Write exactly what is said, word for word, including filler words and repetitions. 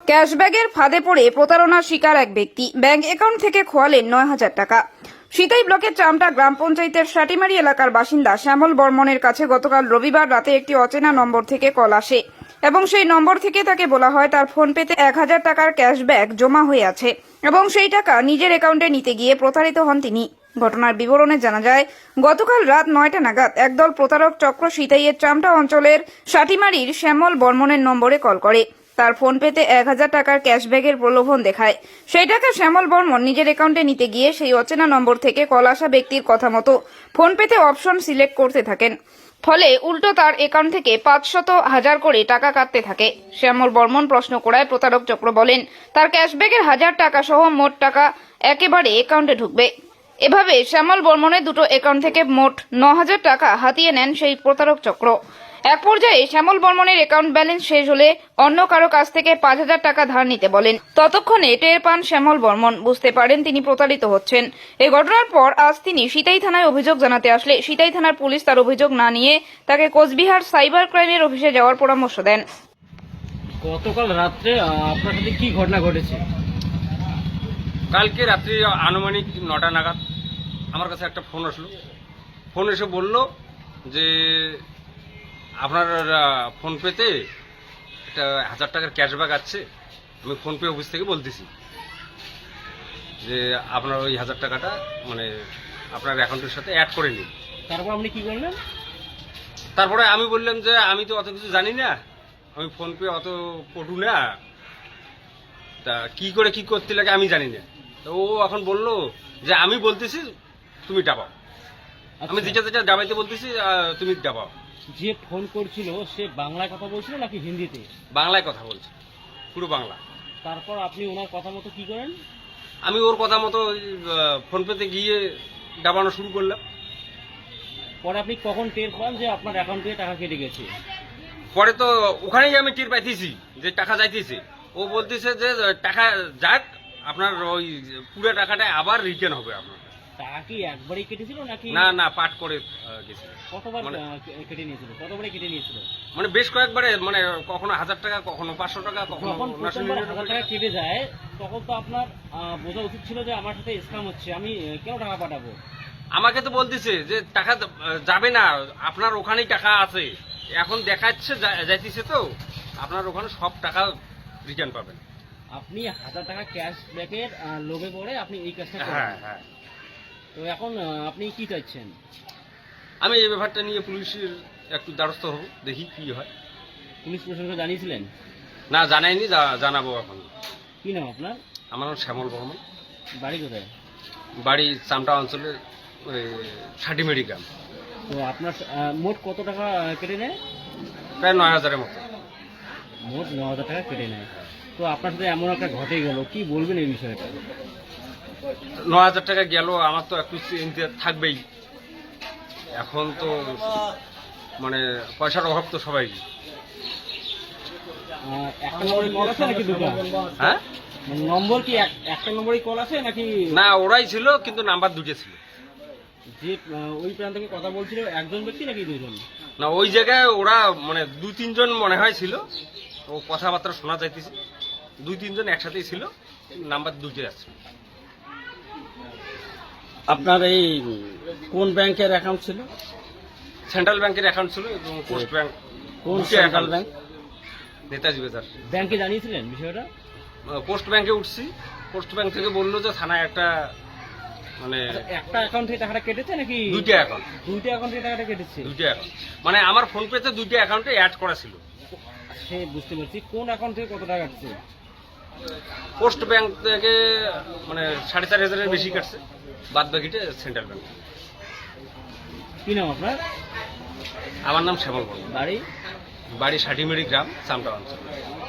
ক্যাশব্যাগের ফাঁদে পড়ে প্রতারণার শিকার এক ব্যক্তি। ব্যাংক অ্যাকাউন্ট থেকে খোয়ালেন নয় হাজার টাকা। সিতাই ব্লকের চামটা গ্রাম পঞ্চায়েতের সাটিমারি এলাকার বাসিন্দা শ্যামল বর্মনের কাছে গতকাল রবিবার রাতে একটি অচেনা নম্বর থেকে কল আসে এবং সেই নম্বর থেকে তাকে বলা হয় তার ফোনপেতে এক হাজার টাকার ক্যাশব্যাক জমা হয়ে আছে এবং সেই টাকা নিজের অ্যাকাউন্টে নিতে গিয়ে প্রতারিত হন তিনি। ঘটনার বিবরণে জানা যায়, গতকাল রাত নয়টা নাগাদ একদল প্রতারক চক্র সিতাইয়ের চামটা অঞ্চলের সাটিমারির শ্যামল বর্মনের নম্বরে কল করে। তার ফোনপেতে এক হাজার টাকার ক্যাশব্যাকের প্রলোভন দেখায়। সেই টাকা শ্যামল বর্মন নিজের অ্যাকাউন্টে নিতে গিয়ে সেই অচেনা নম্বর থেকে কল আসা ব্যক্তির কথা মতো ফোনপেতে অপশন সিলেক্ট করতে থাকেন। ফলে উল্টো তার অ্যাকাউন্ট থেকে পাঁচশত হাজার করে টাকা কাটতে থাকে। শ্যামল বর্মন প্রশ্ন করায় প্রতারক চক্র বলেন তার ক্যাশব্যাকের হাজার টাকা সহ মোট টাকা একেবারে অ্যাকাউন্টে ঢুকবে। এভাবে শ্যামল বর্মনের দুটো অ্যাকাউন্ট থেকে মোট ন হাজার টাকা হাতিয়ে নেন সেই প্রতারক চক্র। এক পর্যায়ে শ্যামল বর্মনের অ্যাকাউন্ট ব্যালেন্স শেষ হলে অন্য কারো কাছ থেকে পাঁচ হাজার টাকা ধার নিতে বলেন। ততক্ষণে টের পান শ্যামল বর্মন, বুঝতে পারেন তিনি প্রতারিত হচ্ছেন। এই ঘটনার পর আজ তিনি সিতাই থানায় অভিযোগ জানাতে আসলে সিতাই থানার পুলিশ তার অভিযোগ না নিয়ে তাকে কোচবিহার সাইবার ক্রাইমের অফিসে যাওয়ার পরামর্শ দেন। গতকাল রাত্রে আপনার সাথে কি ঘটনা ঘটেছে? কালকে রাত্রি আনুমানিক নটা নাগাদ আমার কাছে একটা ফোন আসলো। ফোন এসে বলল যে আপনার ফোনপেতে একটা হাজার টাকার ক্যাশব্যাক আছে। আমি ফোনপে অফিস থেকে বলতেছি যে আপনার ওই হাজার টাকাটা মানে আপনার অ্যাকাউন্টের সাথে অ্যাড করে নিন। তারপর আপনি কি করলেন? তারপরে আমি বললাম যে আমি তো অত কিছু জানি না, আমি ফোনপে অত পটু না, তা কি করে কি করতে লাগে আমি জানি না। তো ও এখন বললো যে আমি বলতেছি তুমি ডাবাও, আমি যেটা যেটা ডাবাইতে বলতেছি তুমি ডাবাও। যে ফোন করছিল সে বাংলায় কথা বলছিল নাকি হিন্দিতে? বাংলায় কথা বলছে, পুরো বাংলা। তারপর আপনি ওনার কথা মতো কি করেন? আমি ওর কথা মতো ফোনপেতে গিয়ে ডাবানো শুরু করলাম। পরে আপনি কখন টের পান যে আপনার অ্যাকাউন্ট থেকে টাকা কেটে গেছে? পরে তো ওখানেই আমি টের পাইতেছি যে টাকা যাইতেছে। ও বলতেছে যে টাকা যাক, আপনার ওই পুরো টাকাটা আবার রিটার্ন হবে আপনার। টাকা কি একবারই কেটেছিল নাকি? না না, পাঠ করে গেছিল। কতবার কেটে নিয়েছিল? কতবারে কেটে নিয়েছিল? মানে বেশ কয়েকবারে, মানে কখনো হাজার টাকা, কখনো পাঁচশো টাকা, কখনো যখন প্রথমবার হাজার টাকা কেটে যায় তখন তো আপনার বোঝা উচিত ছিল যে আমার সাথে স্ক্যাম হচ্ছে, আমি কেন টাকা পাঠাবো? আমাকে তো বলতেছে যে টাকা যাবে না, আপনার ওখানেই টাকা আছে। এখন দেখাচ্ছে যাইতেছে তো আপনার ওখানে সব টাকা রিটার্ন পাবেন। আপনি হাজার টাকা ক্যাশ ব্যাকের লোভে পড়ে আপনি এই কাজটা করেন। হ্যাঁ হ্যাঁ। তো এখন আপনি কি চাইছেন? আমি এই ব্যাপারটা নিয়ে পুলিশের একটু দ্বারস্থ হব, দেখি কি হয়। পুলিশ প্রশাসনকে জানিয়েছিলেন? না জানাইনি, জানাবো এখন। কি নাম আপনার? আমার নাম শ্যামল বর্মন। বাড়ি কোথায়? বাড়ি চামটা অঞ্চলের সাটিমারি গ্রাম। তো আপনার মোট কত টাকা কেটে নেয়? প্রায় নয় হাজারের মতো। মোট ন হাজার টাকা কেটে নেয়। তো আপনার সাথে এমন একটা ঘটে গেল, কি বলবেন এই বিষয়টা? ন হাজার টাকা গেল, আমার তো একটু চিন্তা থাকবেই। এখন তো মানে পয়সার অভাব তো সবাই। একটা নম্বরে কল আছে নাকি দুটো? হ্যাঁ, নম্বর কি একটা নম্বরই কল আছে নাকি? না, ওরাই ছিল কিন্তু নাম্বার দুটো ছিল। যে ওই প্রান্ত থেকে কথা বলছিল একজন ব্যক্তি নাকি দুজন? না, ওই জায়গায় ওরা মানে দু তিনজন মনে হয় ছিল। ও কথাবার্তা শোনা যাইতেছে, দুই তিনজন একসাথেই ছিল, নাম্বার দুটো আছে। আপনার এই কোন ব্যাংকের অ্যাকাউন্ট ছিল? সেন্ট্রাল ব্যাংকের অ্যাকাউন্ট ছিল এবং পোস্ট ব্যাংক। কোন সেন্ট্রাল ব্যাংক? নেতাজি বাজার। ব্যাংকে জানিয়েছিলেন বিষয়টা? পোস্ট ব্যাংকে উঠছি, পোস্ট ব্যাংক থেকে বললো যে থানায় একটা মানে একটা অ্যাকাউন্ট থেকে টাকাটা কেটেছে নাকি? দুইটা অ্যাকাউন্ট। দুইটা অ্যাকাউন্ট থেকে টাকাটা কেটেছে? দুইটা অ্যাকাউন্ট, মানে আমার ফোনপেতে দুইটা অ্যাকাউন্টে অ্যাড করা ছিল। সে বুঝতে পারছি, কোন অ্যাকাউন্ট থেকে কত টাকা কাটছে? পোস্ট ব্যাংক থেকে মানে সাড়ে চার হাজারের বেশি কাটছে, বাদ বাকিটা সেন্ট্রাল ব্যাংক। কি নাম আপনার? আমার নাম শ্যামল বর্মন। বাড়ি? বাড়ি সাটিমারি গ্রাম, চামটা অঞ্চল।